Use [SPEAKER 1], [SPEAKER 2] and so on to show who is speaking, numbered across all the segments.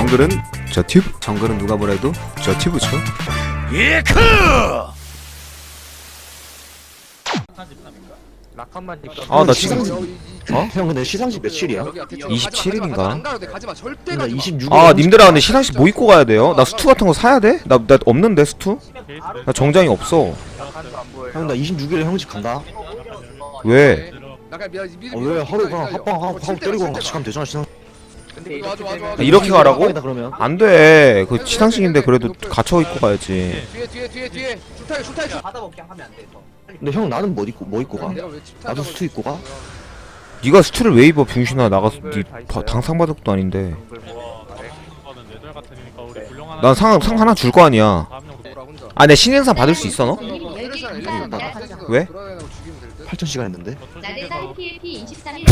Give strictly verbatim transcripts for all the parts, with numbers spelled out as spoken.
[SPEAKER 1] 정글은 저 튜브. 정글은 누가 뭐래도 저 튜브죠. 예크! 아, 나 지금 어?
[SPEAKER 2] 형 근데 시상식 며칠이야?
[SPEAKER 1] 이십칠 일인가?
[SPEAKER 2] 나 이십육 일.
[SPEAKER 1] 아, 님들아 근데 시상식 뭐 입고 가야 돼요? 나 수트 같은 거 사야 돼? 나, 나 없는데 수트? 나 정장이 없어.
[SPEAKER 2] 형 나 이십육 일에 형집 간다.
[SPEAKER 1] 왜?
[SPEAKER 2] 어, 왜 하루 그냥 합방 하고 하고 때리고 같이 가면 되잖아 시상.
[SPEAKER 1] 아, 이렇게 가라고?
[SPEAKER 2] 그러면.
[SPEAKER 1] 안 돼. 그 시상식인데 그래도 갇혀 입고 가야지.
[SPEAKER 3] 뒤에 뒤에 뒤에 뒤에 줄타기 줄타기 줄.
[SPEAKER 4] 받아먹게 하면 안 돼. 더.
[SPEAKER 2] 근데 형 나는 뭐 입고 뭐 입고 가?
[SPEAKER 3] 내가 왜 집타기
[SPEAKER 2] 나도 수트 입고 가?
[SPEAKER 1] 네가 수트를 왜 입어 병신아. 나가서 네 바- 당상받을 것도 아닌데. 난 상 상 하나 줄 거 아니야. 아, 내 신인상 받을 수 있어 너? 왜?
[SPEAKER 2] 팔천 시간 했는데.
[SPEAKER 5] 나대산 피에이피 이십삼 일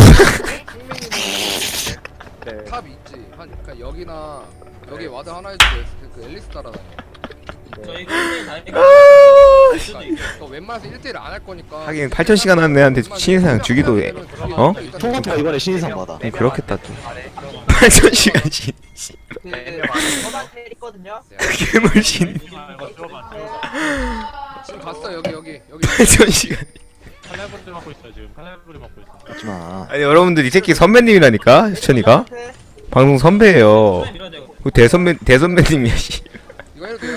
[SPEAKER 3] 탑 있지. 한 그러니까 여기나 여기 와드 하나 해주고 그, 그 앨리스 따라다녀. 그러니까 너 웬만해서 일 대일 안 할 거니까.
[SPEAKER 1] 하긴 팔천 시간 한 애한테 신인상 주기도 해. 어?
[SPEAKER 2] 통화가 이번에 신인상 받아.
[SPEAKER 1] 좀 그렇겠다 좀. 팔천 시간씩.
[SPEAKER 4] 저만 때리거든요.
[SPEAKER 1] 그게 뭘 신?
[SPEAKER 3] 지금 갔어 여기 여기 여기.
[SPEAKER 1] 팔천 시간.
[SPEAKER 6] 칼날부리 먹고 있어 지금. 칼날부리 먹고 있어.
[SPEAKER 2] 하지마.
[SPEAKER 1] 아니 여러분들 이 새끼 선배님이라니까 수천이가 방송 선배예요. 그 대선배 대선배님이야 씨.
[SPEAKER 3] 이거 해도 돼요?